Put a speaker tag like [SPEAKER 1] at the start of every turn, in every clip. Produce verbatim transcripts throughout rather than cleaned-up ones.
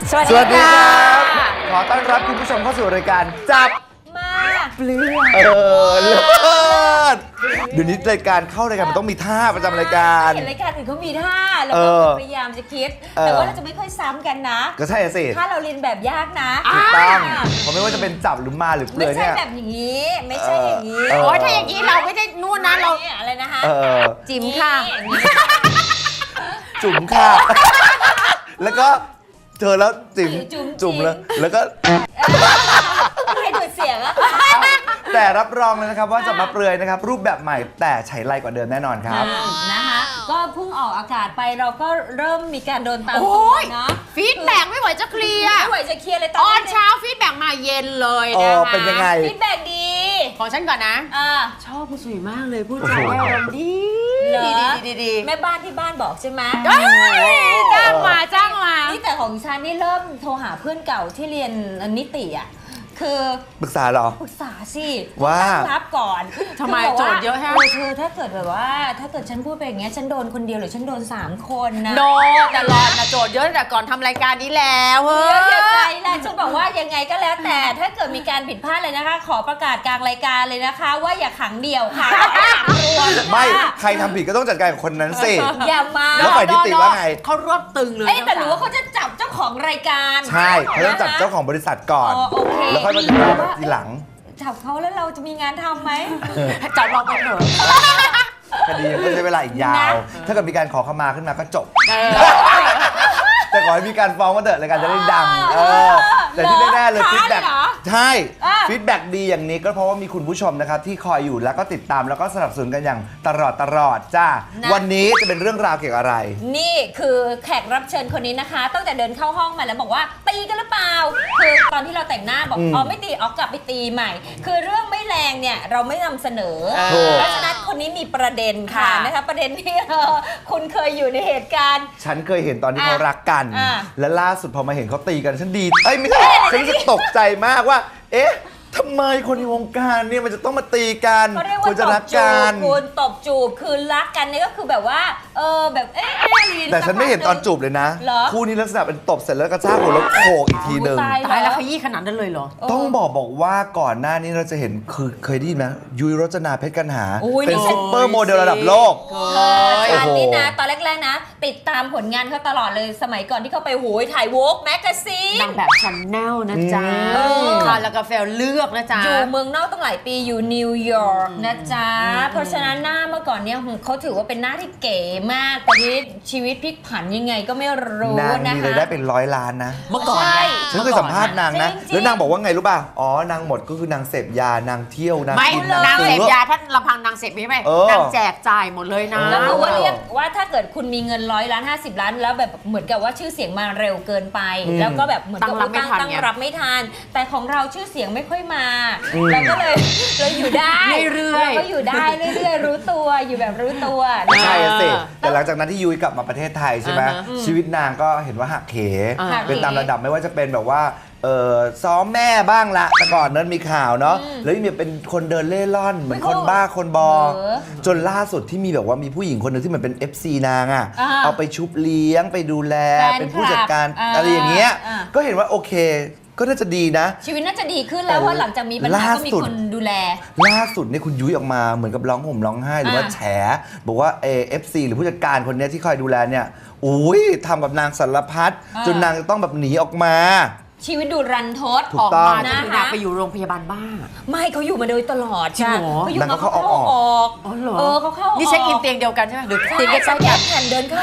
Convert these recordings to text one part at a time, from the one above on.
[SPEAKER 1] สวัสดีครับ
[SPEAKER 2] ขอต้อนรับคุณผู้ชมเข้าสู่รายการจับ
[SPEAKER 1] มาเปลือก
[SPEAKER 2] เออเลิศเดี๋ยวนี้รายการเข้ารายการมันต้องมีท่าประจำรายการ
[SPEAKER 1] เห็นรายการอื่นเขามีท่าเรา
[SPEAKER 2] เอ
[SPEAKER 1] ก็
[SPEAKER 2] อ
[SPEAKER 1] พยายามจะคิด
[SPEAKER 2] เออ
[SPEAKER 1] แต่ว่าเราจะไม่ค่อยซ้ำกันนะ
[SPEAKER 2] ก็ใช่สิ
[SPEAKER 1] ถ้าเราเรียนแบบยากนะ
[SPEAKER 2] ถูกต้อง
[SPEAKER 1] อ่า
[SPEAKER 2] เพราะไม่ว่าจะเป็นจับหรือมาหรือเปลื
[SPEAKER 1] ไม่
[SPEAKER 2] อย
[SPEAKER 1] ใช่
[SPEAKER 2] เนี่ย
[SPEAKER 1] แบบอย่างนี้ ไม่ใช่อย่างนี้
[SPEAKER 2] เออ
[SPEAKER 3] โอ้ยถ้าอย่างนี้เราไม่ได้นู่นนะเรา
[SPEAKER 1] นี่อะไรนะคะ
[SPEAKER 2] เออ
[SPEAKER 3] จิ๋มค่ะ
[SPEAKER 1] อย่างนี้
[SPEAKER 2] จุ๋มค่ะ แล้วก็เธอแล้วจิ๋ม
[SPEAKER 1] จุ๋ม
[SPEAKER 2] จุ๋มแล้วแล้วก็
[SPEAKER 1] ให้ดูดเสียงอะ
[SPEAKER 2] แต่รับรองเลยนะครับว่าจะมาเปลือยนะครับรูปแบบใหม่แต่ใช้ไรกว่าเดิมแน่นอนครับ
[SPEAKER 1] นะคะก็เพิ่งออกอากาศไปเราก็เริ่มมีการโดนตาม
[SPEAKER 3] โอ้
[SPEAKER 1] ตัวย เนาะ
[SPEAKER 3] ฟีดแบ็กไม่ไหวจะเคลียร์
[SPEAKER 1] ไม่ไหวจะเคลียร์เลยต
[SPEAKER 3] ต
[SPEAKER 1] อ
[SPEAKER 3] อน น
[SPEAKER 1] นี้
[SPEAKER 3] เช้าฟีดแบ็กมาเย็นเลย
[SPEAKER 2] อ๋
[SPEAKER 3] นะ
[SPEAKER 2] อ
[SPEAKER 3] คะ
[SPEAKER 2] เป็นยังไง
[SPEAKER 1] ฟีดแบ็กดี
[SPEAKER 3] ของฉันก่อนนะ
[SPEAKER 1] อ่า
[SPEAKER 3] ชอบคุณสุยมากเลยพูด
[SPEAKER 2] โอ้
[SPEAKER 3] จา
[SPEAKER 2] โห
[SPEAKER 3] ได้อารมณ์ดี
[SPEAKER 1] เหรอ
[SPEAKER 3] ดีดีดีดี
[SPEAKER 1] แม่บ้านที่บ้านบอกใช่ไหม
[SPEAKER 3] เอ้ยจ้างมาจ้างมา
[SPEAKER 1] นี่แต่ของฉันนี่เริ่มโทรหาเพื่อนเก่าที่เรียนนิติอ่ะคือ
[SPEAKER 2] ปรึกษาเหรอ
[SPEAKER 1] ปรึกษาสิ
[SPEAKER 2] ว่า
[SPEAKER 1] ตั้งรับก่อน
[SPEAKER 3] ทำไม
[SPEAKER 1] คืบกว่า
[SPEAKER 3] โจทย์เยอะฮะ
[SPEAKER 1] เออเธอถ้าเกิดแบบว่า ถ้าเกิดฉันพูดไปอย่างเงี้ยฉันโดนคนเดียวหรือฉันโดนสามคนนะ
[SPEAKER 3] โดนแต่รอนนะโจทย์เยอะแต่ก่อนทำรายการนี้แล้วเฮ้
[SPEAKER 1] เดี๋ยวยังไง
[SPEAKER 3] ย
[SPEAKER 1] ล่ะฉันบอกว่ายังไงก็แล้วแต่ถ้าเกิดมีการผิดพลาดเลยนะคะ ขอประกาศกลางรายการเลยนะคะ ว่าอย่าขังเดี่ยวค่ะขังรวมค่ะ
[SPEAKER 2] ไม่ใครทำผิดก็ต้องจัดการกับคนนั้นสิ
[SPEAKER 1] อย่ามา
[SPEAKER 2] แล้วฝ่ายนิติว่าไง
[SPEAKER 3] เขารวบตึงเลย
[SPEAKER 1] เอ้ยแต่หรือว่าเขาจะจับเจ้าของรายการ
[SPEAKER 2] ใช่เขาต้องจับเจ้าของบริษัทก่อน
[SPEAKER 1] อ๋อโอเค
[SPEAKER 2] แล้วค่อยมาติดตามทีหลัง
[SPEAKER 1] จับเขาแล้วเราจะมีงานทำไหม
[SPEAKER 3] จับเราไปเถอะ
[SPEAKER 2] คดีก็ใช้เวลาอีกยาว
[SPEAKER 1] นะ
[SPEAKER 2] ถ้าเกิดมีการขอขมาขึ้นมาก็จบ
[SPEAKER 3] เออ
[SPEAKER 2] แต่ขอให้มีการฟ้องก็เถอะรายการจะได้ดัง เออ แต่ที่แน่ๆเลย
[SPEAKER 1] ท้า
[SPEAKER 2] ฟีดแบ็ก
[SPEAKER 1] เหรอ
[SPEAKER 2] ใช่
[SPEAKER 1] อ่ะ
[SPEAKER 2] ฟีดแบ็กดีอย่างนี้ก็เพราะว่ามีคุณผู้ชมนะครับที่คอยอยู่แล้วก็ติดตามแล้วก็สนับสนุนกันอย่างตลอดตลอดจ้า
[SPEAKER 1] นะ
[SPEAKER 2] วันนี้จะเป็นเรื่องราวเกี่ยวกับอะไร
[SPEAKER 1] นี่คือแขกรับเชิญคนนี้นะคะตั้งแต่เดินเข้าห้องมาแล้วบอกว่าตีกันหรือเปล่า คือตอนที่เราแต่งหน้าบอก
[SPEAKER 2] อืม
[SPEAKER 1] อ๋อไม่ตีอ๋อกลับไปตีใหม่ คือเรื่องไม่แรงเนี่ยเราไม่นำเสนอ
[SPEAKER 3] เออ
[SPEAKER 1] เพราะฉะนั้นคนนี้มีประเด็นค่ะ
[SPEAKER 3] ค่ะ
[SPEAKER 1] นะคะประเด็นที่เออคุณเคยอยู่ในเหตุการณ์
[SPEAKER 2] ฉันเคยเห็นตอนที่
[SPEAKER 1] อ่ะ
[SPEAKER 2] เขารักกัน
[SPEAKER 1] อ่ะ
[SPEAKER 2] และล่าสุดพอมาเห็นเขาตีกันฉันดี เอ้ยไม่ใช่ฉันรู้สึกตกใจมากว่า เอ๊ะทำไมคนในวงการเนี่ยมันจะต้องมาตีกัน
[SPEAKER 1] เขาเรียก
[SPEAKER 2] คว
[SPEAKER 1] ว่าร
[SPEAKER 2] จะ
[SPEAKER 1] ต
[SPEAKER 2] รับ ก
[SPEAKER 1] จู
[SPEAKER 2] กับ น
[SPEAKER 1] คุณตบจูบคือรักกันเนี่ยก็คือแบบว่าเออแบบเอ๊ะเอ๊ะอะไร
[SPEAKER 2] แต่ฉันไม่เห็นตอนจูบเลยนะ
[SPEAKER 1] เหรอ
[SPEAKER 2] คู่นี้ลักษณะเป็นตบเสร็จแล้วกระชากหัวแล้วโขกอีกทีหนึ่ง
[SPEAKER 1] ตาย
[SPEAKER 3] ตายแล้วขยี้ขนาดนั้นเลยเหรอ
[SPEAKER 2] ต้องบอกบอกว่าก่อนหน้านี้เราจะเห็นคือเคยได้ยินไหมยุ้ยรจนาเพชรกันหา
[SPEAKER 1] อุ้ย
[SPEAKER 2] เป็น
[SPEAKER 1] นี่
[SPEAKER 2] ซุปเปอร์โมเดลระดับโลก
[SPEAKER 3] เค
[SPEAKER 1] เออย ฉัน
[SPEAKER 2] โอ้โห
[SPEAKER 1] นี่นะตอนแรกๆนะ ติดตามผลงานเขาตลอดเลยสมัยก่อนที่เขาไปโหยถ่ายโวกแมกกาซีน
[SPEAKER 3] นางแบบชันแนลนะจ๊ะ
[SPEAKER 1] อืม
[SPEAKER 3] ค่ะแล้วกาแฟเลือกนะจ๊ะ
[SPEAKER 1] อยู่เมืองนอกตั้งหลายปีอยู่นิวยอร์กนะจ๊ะ เพราะฉะนั้นหน้าเมื่อก่อนเนี่ยเขาถือว่าเป็นหน้าที่เก๋มากตอนนี้ชีวิตพลิกผันยังไงก็ไม่รู้
[SPEAKER 2] นาง
[SPEAKER 1] นะ
[SPEAKER 2] มี
[SPEAKER 1] คะ
[SPEAKER 2] รายได้เป็นร้อยล้านนะ
[SPEAKER 3] เมื่อก่อน
[SPEAKER 1] ใช่
[SPEAKER 3] ไง
[SPEAKER 2] ฉันเคยสัมภาษณ์นางนะ
[SPEAKER 1] จริงๆ
[SPEAKER 2] แล้วนางบอกว่าไงรู้ป่ะ อ๋อ นางหมดก็คือนางเสพยานางเที่ยวนาง
[SPEAKER 3] ไม่
[SPEAKER 2] กิน
[SPEAKER 3] นางเสพ
[SPEAKER 2] ซื้อ
[SPEAKER 3] ยาท่านลำพังนางเสพไม่ไหม
[SPEAKER 2] เออ
[SPEAKER 3] นางแจกจ่ายหมดเลยนะ
[SPEAKER 1] แล้วคือว่าเรียกว่าถ้าเกิดคุณมีเงินร้อยล้านห้าสิบล้านแล้วแบบเหมือนกับว่าชื่อเสียงมาเร็วเกินไป
[SPEAKER 2] อืม
[SPEAKER 1] แล้วก็แบบเหมือนกับ
[SPEAKER 3] ตั้งรับไม่ทัน
[SPEAKER 1] ตั้ง
[SPEAKER 3] ไง
[SPEAKER 1] รับไม่ทัน แต่ของเราชื่อเสียงไม่ค่อยมา
[SPEAKER 2] อืม
[SPEAKER 1] เราก็เลยเราอยู่ได้
[SPEAKER 3] เรื่อยๆ
[SPEAKER 1] เราก็อยู่ได้เรื่อยๆรู้ตัวอยู่แบบรู้ตัว
[SPEAKER 2] ไม่
[SPEAKER 1] นะ
[SPEAKER 2] ใช่
[SPEAKER 1] คะ
[SPEAKER 2] อะสิ
[SPEAKER 3] เออ
[SPEAKER 2] แต่หลังจากนั้นที่ยุ้ยกลับมาประเทศไทยใช่ไหม
[SPEAKER 3] อ่าฮะ
[SPEAKER 2] ชีวิตนางก็เห็นว่าหักเข
[SPEAKER 3] อ่า
[SPEAKER 2] เป็นตามระดับไม่ว่าจะเป็นแบบว่าเออซ้อมแม่บ้างละแต่ก่อนนั้นมีข่าวเนาะแล้วยังมีเป็นคนเดินเล่ร่อน เหมือนคนบ้าคนบอ
[SPEAKER 1] เออ
[SPEAKER 2] จนล่าสุดที่มีแบบว่ามีผู้หญิงคนหนึ่งที่เหมือนเป็น เอฟ ซี นางอ่ะ
[SPEAKER 1] อ่า
[SPEAKER 2] เอาไปชุบเลี้ยงไปดูแล
[SPEAKER 1] แฟนคลับ
[SPEAKER 2] เป็นผู้จัดการ
[SPEAKER 1] อ่า
[SPEAKER 2] อะไรอย่างเงี้ย
[SPEAKER 1] อ่า
[SPEAKER 2] ก็เห็นว่าโอเค ก็น่าจะดีนะ
[SPEAKER 1] ชีวิตน่าจะดีขึ้นแล้วเพราะหลังจากมีปัญหา
[SPEAKER 2] ล่า
[SPEAKER 1] ก็มี
[SPEAKER 2] สุด
[SPEAKER 1] คนดูแล
[SPEAKER 2] ล่าสุดเนี่ยคุณยุ้ยออกมาเหมือนกับร้องห่มร้องไห้หรือว่า
[SPEAKER 1] อ่า
[SPEAKER 2] แฉ บอกว่าเอฟซีหรือผู้จัดการคนเนี้ยที่คอยดูแลเนี่ยอุ้ยทำกับนางสารพัดจนนางจะต้องแบบหนีออกมา
[SPEAKER 1] ชีวิตดูรันทด
[SPEAKER 2] ถู
[SPEAKER 3] อก อก
[SPEAKER 2] ต้อง
[SPEAKER 3] มาจนถึงอยากไปอยู่โรงพยาบาลบ้า
[SPEAKER 1] ไม่เขาอยู่มาโดยตลอด
[SPEAKER 3] จริงเหรอ
[SPEAKER 1] เขาอยู่
[SPEAKER 2] นาง
[SPEAKER 1] มา
[SPEAKER 2] ก็
[SPEAKER 1] เขา
[SPEAKER 2] เข้า
[SPEAKER 1] เข้า
[SPEAKER 2] อ
[SPEAKER 1] อ
[SPEAKER 2] อก
[SPEAKER 1] อก
[SPEAKER 3] อ๋อเหรอ
[SPEAKER 1] เออเขาเข้าออก
[SPEAKER 3] นี่เช็คอินเตียงเดียวกันใช่ไหมหรือเตียง
[SPEAKER 1] เตียง
[SPEAKER 3] ใกล้
[SPEAKER 1] ใกล้
[SPEAKER 3] ๆ
[SPEAKER 1] แผ่นเดินเข้า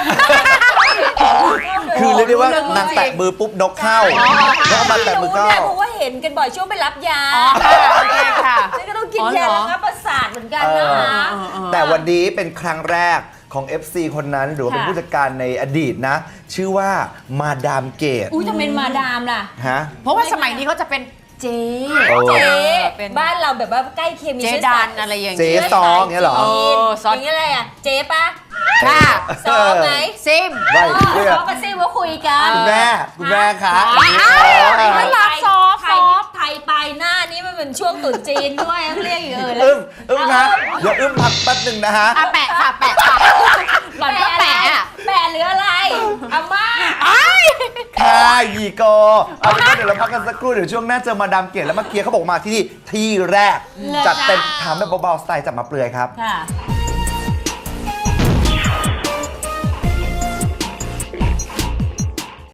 [SPEAKER 2] คือเรียกได้ว่า
[SPEAKER 3] เรื่อง
[SPEAKER 2] นางแตะมือปุ๊บนกเข้า
[SPEAKER 1] อ๋อ
[SPEAKER 2] แล้วเอามาแตะมือเข้า
[SPEAKER 1] รู้นะเพราะว่าเห็นกันบ่อยช่วงไปรับยา
[SPEAKER 3] อ๋อค่ะโอเคค่ะ
[SPEAKER 1] นี่ก็ต้องกิน
[SPEAKER 3] อ๋อเหร
[SPEAKER 1] ยา
[SPEAKER 3] อ
[SPEAKER 1] ระงับประสาทเหมือนกัน
[SPEAKER 2] เอ
[SPEAKER 1] นะ
[SPEAKER 2] อ
[SPEAKER 1] คะ
[SPEAKER 3] เออเออ
[SPEAKER 2] แต่วันนี้เป็นครั้งแรกของ เอฟ ซี คนนั้นหรือว่าเป็น
[SPEAKER 1] ค่ะ
[SPEAKER 2] ผู้จัดการในอดีตนะ ชื่อว่ามาดามเกต
[SPEAKER 1] อุ้ยทำไมมาดามล่ะ
[SPEAKER 2] ฮะ
[SPEAKER 3] เพราะว่าสมัยนี้เขาจะเป็นเจ๊
[SPEAKER 2] โอ้
[SPEAKER 1] เจ๊
[SPEAKER 3] เป็น
[SPEAKER 1] บ้านเราแบบว่าใกล้เคียงมี
[SPEAKER 3] เจ๊
[SPEAKER 1] ชื้อ
[SPEAKER 3] ดั
[SPEAKER 1] สาย
[SPEAKER 3] นอะไรอย่าง
[SPEAKER 2] เจ๊
[SPEAKER 3] เงี้ย
[SPEAKER 2] ซองเงี้ยเหรอ
[SPEAKER 3] เออซ
[SPEAKER 1] อ
[SPEAKER 3] อง
[SPEAKER 1] ย่างเงี้ยอะไรอ่ะเจ๊ปะ
[SPEAKER 3] ค่ะ
[SPEAKER 1] ซองไหม
[SPEAKER 3] ซิม
[SPEAKER 2] ไม่
[SPEAKER 1] เออ
[SPEAKER 2] เพื่อ
[SPEAKER 1] ซองกับซิว่าคุยกัน
[SPEAKER 2] คุณแม่คุณแม่คะ
[SPEAKER 3] อ้าว
[SPEAKER 2] เออ
[SPEAKER 3] น่ารักซอฟต์
[SPEAKER 1] ไทยไทยไปหน้านี้มันเป็นช่วงตรุษจีนด้วยต้องเรียกอย่างอื่นแล้ว
[SPEAKER 2] อึ้มอึ้มนะเดี๋ยวอึ้มพักแป๊บหนึ่งนะฮะ
[SPEAKER 3] อ่ะแปะค่ะแปะค่ะหล่อนก็แปะอ่ะ
[SPEAKER 1] แปะหรืออะไรอาม่า
[SPEAKER 2] ค่ะยีโกเอาเป็นว่าเดี๋ยวเราพักกันสักครู่เดี๋ยวช่วงหน้าเจอมาดามเกตแล้วมาเคลียร์เขาบอกมาที่นี่ที่แรกจัดเต็มถามแบบเบาๆสไตล์จับมาเปลือยครับ
[SPEAKER 1] ค่ะ